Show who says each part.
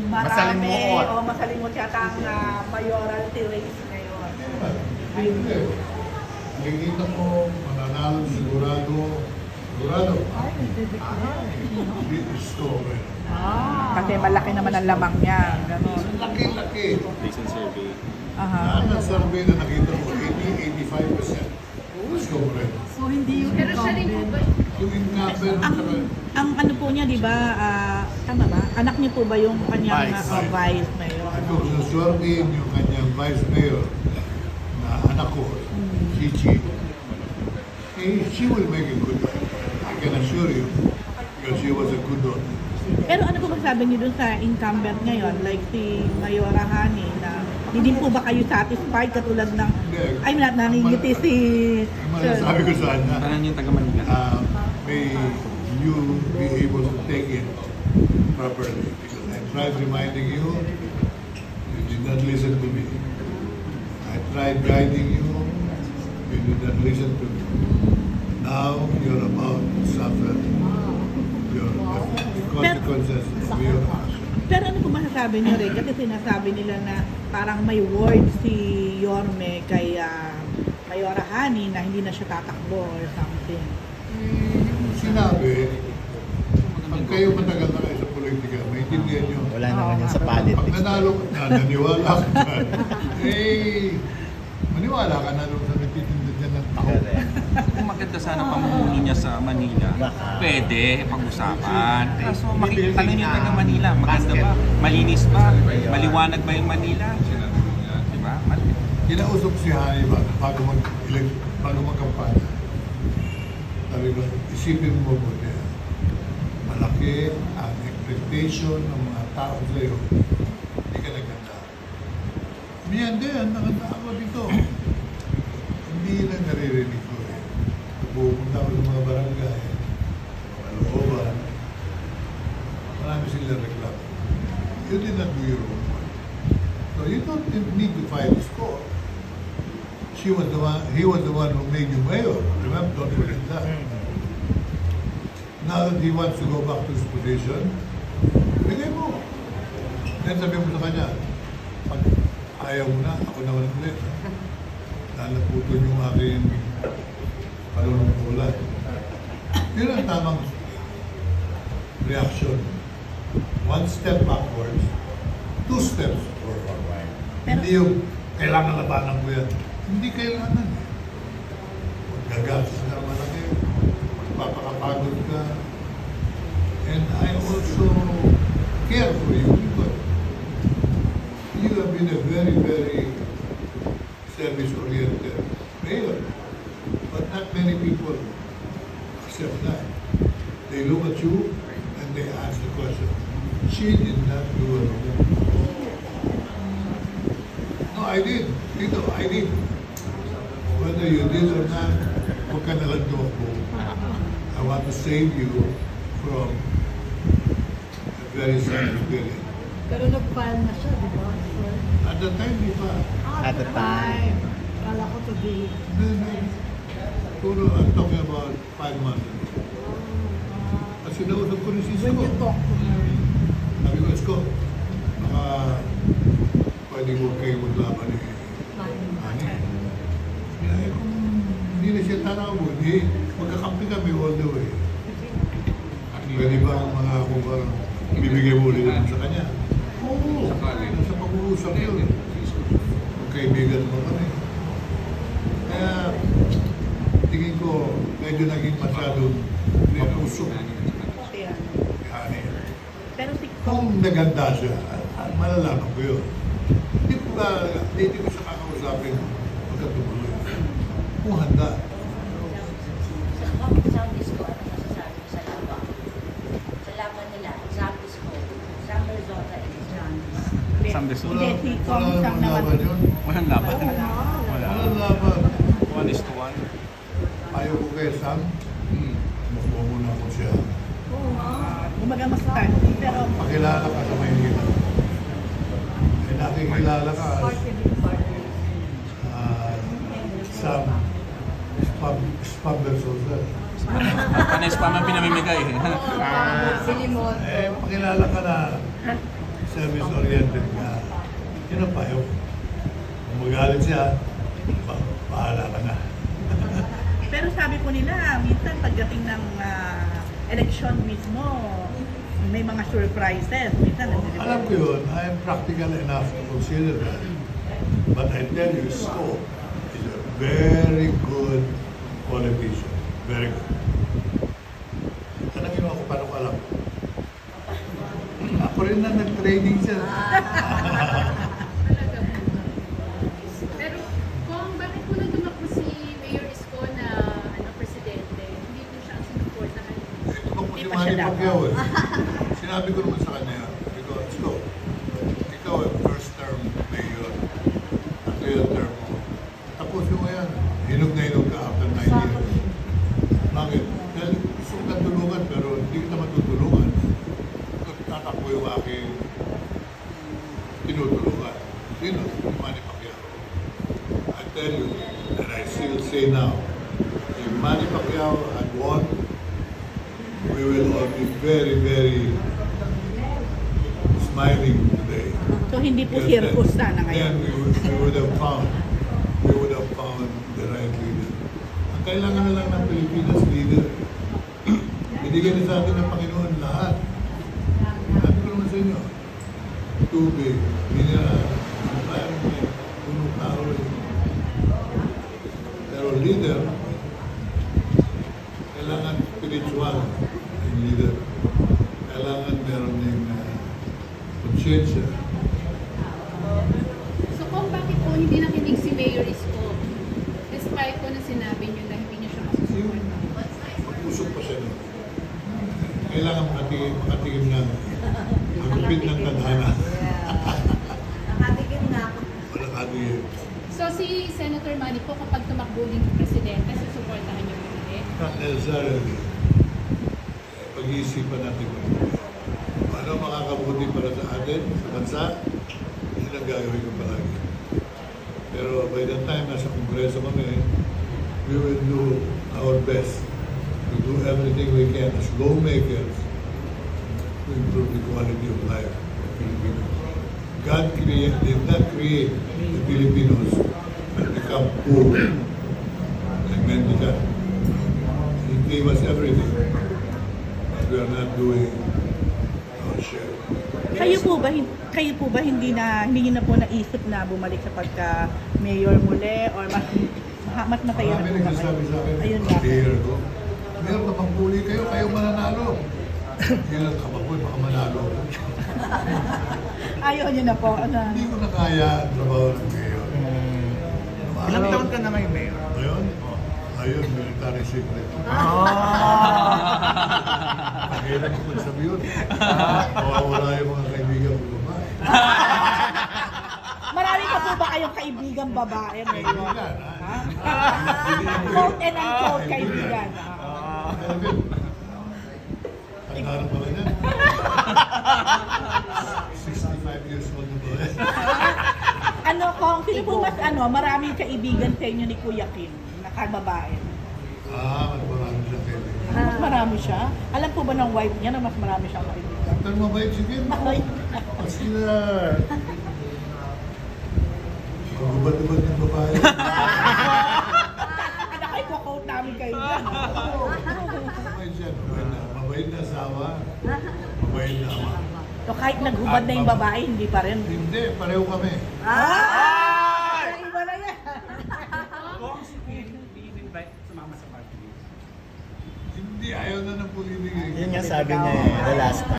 Speaker 1: Masalimuot.
Speaker 2: O masalimuot yata ang mayoralty race ngayon.
Speaker 3: Hindi. Nakikita mo, mananalo sigurado. Sigurado. Discover.
Speaker 2: Kasi malaki naman ang lamang niya. Ganon.
Speaker 3: Laki-laki.
Speaker 4: Recent survey.
Speaker 3: Lahat ng survey na nakita mo, 80-85%. Discover.
Speaker 5: So hindi yung incumbent.
Speaker 3: Yung incumbent,
Speaker 2: Ang ano po niya, di ba, tama ba? Anak niyo po ba yung kanyang
Speaker 1: Vice.
Speaker 2: vice mayor?
Speaker 3: at kung suswertihin yung kanyang vice mayor na anak ko, si Chi, she will make a good one. I can assure you, because she was a good daughter.
Speaker 2: Pero ano po masabi niyo dun sa incumbent ngayon? Like si Mayora Hani na hindi din po ba kayo satisfied katulad ng ay naningiti si
Speaker 3: Sabi ko sa kanya,
Speaker 4: Parang yung taga Manila.
Speaker 3: may you be able to take it properly. Because I tried reminding you, you did not listen to me. I tried guiding you, you did not listen to me. Now you're about to suffer your consequences of your action.
Speaker 2: Pero ano po masasabi niyo rin? Kasi sinasabi nila na parang may word si Yorme kay Mayora Hani na hindi na siya tatakbo or something.
Speaker 3: Sinabi, pag kayo matagal na kayo sa politika, maintindihan nyo.
Speaker 1: Wala naman yan sa
Speaker 3: Pag
Speaker 1: politics.
Speaker 3: nanalo ka na, naniwala ka na, maniwala ka na doon sa nagtitinda dyan ng tao.
Speaker 4: Kung maganda sana pamumuno niya sa Manila, pwede pag-usapan. Kaso makikita lang yung taga Manila, maganda ba? Malinis ba? Maliwanag ba yung Manila? Diba?
Speaker 3: Kinausap si Hani ba, bago magkampanya. Sabi ko, isipin mo po niya, malaki ang expectation ng mga tao sa'yo. Hindi ka naganda. Miyan din, nakanda ako dito. Hindi lang naririnig ko eh. Pupunta ako sa mga barangay, malooban, marami silang reklamo. You did not do your own part. So you don't need to fight the score. He was the one who made you mayor. Remember, don't forget that. Now that he wants to go back to his position, bigay mo. Then sabi mo sa kanya, pag ayaw mo na, ako naman ulit. Lalaputon yung aking panunungkulan. Yun ang tamang reaction. One step backwards, two steps forward. Hindi yung kailangan labanan ko yan. Hindi kailangan eh. Gagastos na malaki, magpapakapagod ka. And I also care for you because you have been a very, very service-oriented mayor. But not many people accept that. They look at you and they ask the question, she did not do it. No, I did. Dito, I did. Whether you did or not, huwag ka nalang ako. I want to save you from a very sad feeling.
Speaker 5: Pero nag-file na siya, di ba? Sir?
Speaker 3: At the time, di ba?
Speaker 1: At the time.
Speaker 5: Kala ko today.
Speaker 3: Puro, I'm talking about 5 months ago. At sinausap ko ni Cisco.
Speaker 5: When you talk to her,
Speaker 3: Sabi ko, Cisco, baka pwede mo kayo maglaban ni Ani. Kaya kung hindi na siya tanawin, magkakampi kami all the way. At pwede ba ang mga kung parang ibibigay mo ulit sa kanya? Oo, nasa pag-uusap yun. Magkaibigan mo kami. Kaya tingin ko medyo naging masyadong mapuso.
Speaker 2: Kaya,
Speaker 3: Ani.
Speaker 2: pero si
Speaker 3: Kung naganda siya, malalaman ko yun. Hindi ko siya kakausapin magkatumuloy. Kung handa.
Speaker 6: Sa disco, ano masasabi mo sa laban? Sa laban nila, sa disco, Sam Rizota and John.
Speaker 4: Sam Desul.
Speaker 2: Hindi, si Kong
Speaker 3: Walang
Speaker 2: Sam naman.
Speaker 3: laban yun.
Speaker 4: Walang laban. Wala.
Speaker 3: Walang laban.
Speaker 4: 1:1.
Speaker 3: Ayaw ko kay Sam. Makuha muna ko siya.
Speaker 2: Gumaga mas start. Pero
Speaker 3: Pakilala ka sa Maynila. Eh, nakikilala ka as
Speaker 5: party with partner.
Speaker 3: Sam Spam Versosa.
Speaker 4: Panes pa man pinamimigay.
Speaker 5: Silimon.
Speaker 3: Eh, pakilala ka na sa service-oriented ka. Yun ang payo. Kung magalit siya, bahala ka na.
Speaker 2: Pero sabi po nila, minsan pagdating ng election mismo, may mga surprises. Minsan,
Speaker 3: Alam ko yun, I am practical enough to consider that. But I tell you, Scope is a very good politician. Very good. Tanangin mo ako, paano ko alam? Ako rin na nag-training siya.
Speaker 7: Pero kung bakit po nang tumakbo si Mayor Isko na presidente, hindi po siya ang sinuportahan?
Speaker 3: Ito po si
Speaker 2: Hindi pa
Speaker 3: Manny
Speaker 2: siya
Speaker 3: Pacquiao eh. Sinabi ko naman sa kanya, ikaw, ikaw ang first term mayor. At yung term mo. Tapos yung yan, hinog na hinog ka after 9 years. Bakit? Dahil gusto ko kang tulungan pero hindi kita matutulungan. Tatakbo yung aking tinutulungan. Sino? Si Manny Pacquiao. I tell you, and I still say now, if Manny Pacquiao had won, we will all be very, very smiling today.
Speaker 2: So hindi po
Speaker 3: Because
Speaker 2: circus
Speaker 3: then-
Speaker 2: sana ngayon.
Speaker 3: Then we would have found the right leader. Ang kailangan na lang ng Pilipinas leader. Binigyan na sa atin ng Panginoon lahat. Sabi ko naman sa inyo, tubig, mineral, environment, punong tao rin. Pero leader, kailangan spiritual yung leader. Kailangan meron ng konsyensya.
Speaker 7: So kung bakit po hindi nakinig si Mayor Isko, despite po na sinabi niyo na hindi niyo siya masusuporta?
Speaker 3: Usok pa siya nun. Kailangan makatingin ng magupit ng tadhana.
Speaker 6: Nakatikim na ako.
Speaker 3: Wala katingin.
Speaker 7: So si Senator Manny po kapag tumakbo din ng presidente, susuportahan niyo po ulit?
Speaker 3: Not necessarily. Pag-iisipan natin kung ano makakabuti para sa atin, sa bansa, yun ang gagawin ko palagi. Pero by the time nasa Kongreso kami, we will do our best to do everything we can as lawmakers to improve the quality of life of Filipinos. God did not create the Filipinos to become poor and mendicant. He gave us everything, but we are not doing our share.
Speaker 2: Kayo po ba hindi niyo na po naisip na bumalik sa pagka mayor muli or mas masaya na
Speaker 3: Marami
Speaker 2: po ba kayo?
Speaker 3: nagsasabi sa akin,
Speaker 2: Ayun nga.
Speaker 3: mayor ko, meron ka pang puli kayo, kayo mananalo. Yun ang kababoy, baka manalo.
Speaker 2: Ayaw niyo na po. Ano?
Speaker 3: Hindi ko na kaya ang trabaho ng mayor.
Speaker 1: Ilang taon ka na ngayon, Mayor?
Speaker 3: Ngayon? Ayun, military secret. Kailan ko sabi yun? Mawawala yung mga kaibigan ko babae.
Speaker 2: Marami pa po ba kayong kaibigang babae, Mayor?
Speaker 3: Kaibigan, ha?
Speaker 2: Quote and unquote kaibigan.
Speaker 3: Ang harap pala niyan. 65 years old na ba?
Speaker 2: Ano kung sino po mas maraming kaibigan sa inyo ni Kuya Kim na kababae?
Speaker 3: Mas marami siya kaibigan.
Speaker 2: Mas marami siya? Alam po ba ng wife niya na mas marami siyang kaibigan?
Speaker 3: Pero mabait si Kim.
Speaker 2: Ay,
Speaker 3: Mas sila... Magubad-ubad ng babae.
Speaker 2: anak ay quote namin kayo dyan.
Speaker 3: Mabait siya. Mabait na asawa. Mabait na ama.
Speaker 2: So kahit naghubad na yung babae, hindi pa rin.
Speaker 3: Hindi, pareho kami.
Speaker 2: Iba na yan.
Speaker 4: Kung si Kim, i-invite sumama sa party.
Speaker 3: Hindi, ayaw na ng pulibig.
Speaker 1: Yun nga sabi niya eh, the last time.